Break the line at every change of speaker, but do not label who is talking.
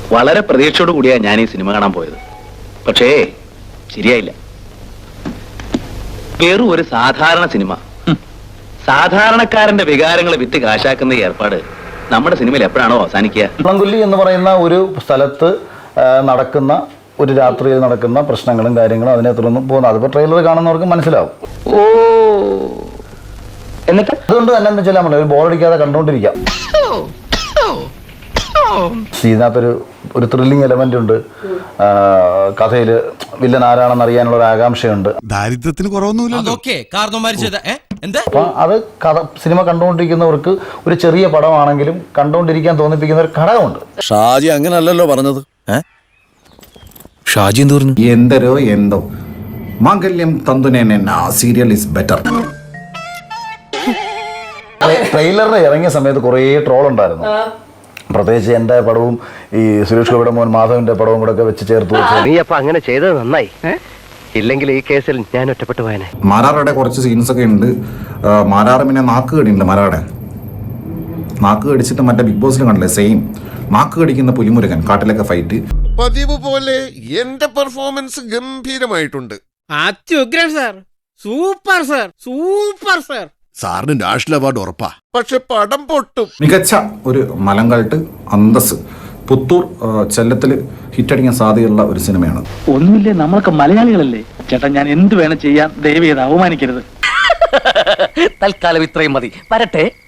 വളരെ പ്രതീക്ഷയോട് കൂടിയാണ് ഞാൻ ഈ സിനിമ കാണാൻ പോയത്. പക്ഷേ ശരിയായില്ല. വെറും ഒരു സാധാരണ സിനിമ, സാധാരണക്കാരന്റെ വികാരങ്ങളെ വിറ്റ് കാശാക്കുന്ന ഈ ഏർപ്പാട് നമ്മുടെ സിനിമയിൽ എപ്പോഴാണോ അവസാനിക്കുക?
കുള്ളംകുല്ലി എന്ന് പറയുന്ന ഒരു സ്ഥലത്ത് നടക്കുന്ന ഒരു രാത്രിയിൽ നടക്കുന്ന പ്രശ്നങ്ങളും കാര്യങ്ങളും അതിനെ തുടർന്ന് പോകുന്നത് അതിപ്പോൾ ട്രെയിലർ കാണുന്നവർക്ക് മനസ്സിലാവും.
ഓ, എന്നിട്ട്
അതുകൊണ്ട് തന്നെ എന്ന് വെച്ചാൽ നമ്മൾ ബോറടിക്കാതെ കണ്ടുകൊണ്ടിരിക്കാം. ഇതിനകത്തൊരു ഒരു ത്രില്ലിംഗ് എലമെന്റ് ഉണ്ട്. കഥയിൽ വില്ലൻ ആരാണെന്ന് അറിയാനുള്ള ഒരു ആകാംക്ഷയുണ്ട്.
ദാരിദ്ര്യത്തിന് കുറവൊന്നുമില്ല.
അപ്പൊ അത് കഥ സിനിമ കണ്ടുകൊണ്ടിരിക്കുന്നവർക്ക് ഒരു ചെറിയ പടമാണെങ്കിലും കണ്ടുകൊണ്ടിരിക്കാൻ തോന്നിപ്പിക്കുന്ന ഒരു ഘടകമുണ്ട്.
ഷാജി അങ്ങനല്ലല്ലോ പറഞ്ഞത്. ഷാജി എന്ത് പറഞ്ഞു?
എന്തരോ എന്തോ Mangalyam Thanthunena serial is better.
ട്രെയിലറിന് ഇറങ്ങിയ സമയത്ത് കുറേ ട്രോൾ ഉണ്ടായിരുന്നു. പ്രത്യേകിച്ച് എൻ്റെ പടവും ഈ സുരേഷ് ഗോപിയുടെ മോൻ മാധവന്റെ പടവും കൂടെ ഒക്കെ വെച്ച് ചേർത്ത് വെച്ചു.
നീ അപ്പൊ അങ്ങനെ ചെയ്തത് നന്നായി. ഇല്ലെങ്കിൽ ഈ കേസിൽ ഞാൻ ഒറ്റപ്പെട്ടു പോയനെ.
മാരാറുടെ കുറച്ച് സീൻസ് ഒക്കെ ഉണ്ട്. മാരാറ് പിന്നെ നാക്ക് കടിയുണ്ട്. മാരാടെ നാക്ക് കടിച്ചിട്ട് മറ്റേ ബിഗ് ബോസിൽ കണ്ടില്ലേ, സെയിം നാക്ക് കടിക്കുന്ന പുലിമുരുകൻ കാട്ടിലൊക്കെ ഫൈറ്റ്.
പതിവ് പോലെ എന്റെ പെർഫോമൻസ് ഗംഭീരമായിട്ടുണ്ട്.
അത്യുഗ്രൻ sir, super sir, super sir.
സാറിന് നാഷണൽ അവാർഡ് ഉറപ്പാ.
പക്ഷെ പടം പൊട്ടും.
മികച്ച ഒരു മലങ്കൾട്ട് അന്തസ് പുത്തൂർ ചെല്ലത്തിൽ ഹിറ്റടിക്കാൻ സാധ്യതയുള്ള ഒരു സിനിമയാണ്.
ഒന്നുമില്ലേ, നമ്മളൊക്കെ മലയാളികളല്ലേ ചേട്ടാ. ഞാൻ എന്ത് വേണം ചെയ്യാൻ, ദയവ് ചെയ്ത് അവമാനിക്കരുത്.
തൽക്കാലം ഇത്രയും മതി. വരട്ടെ.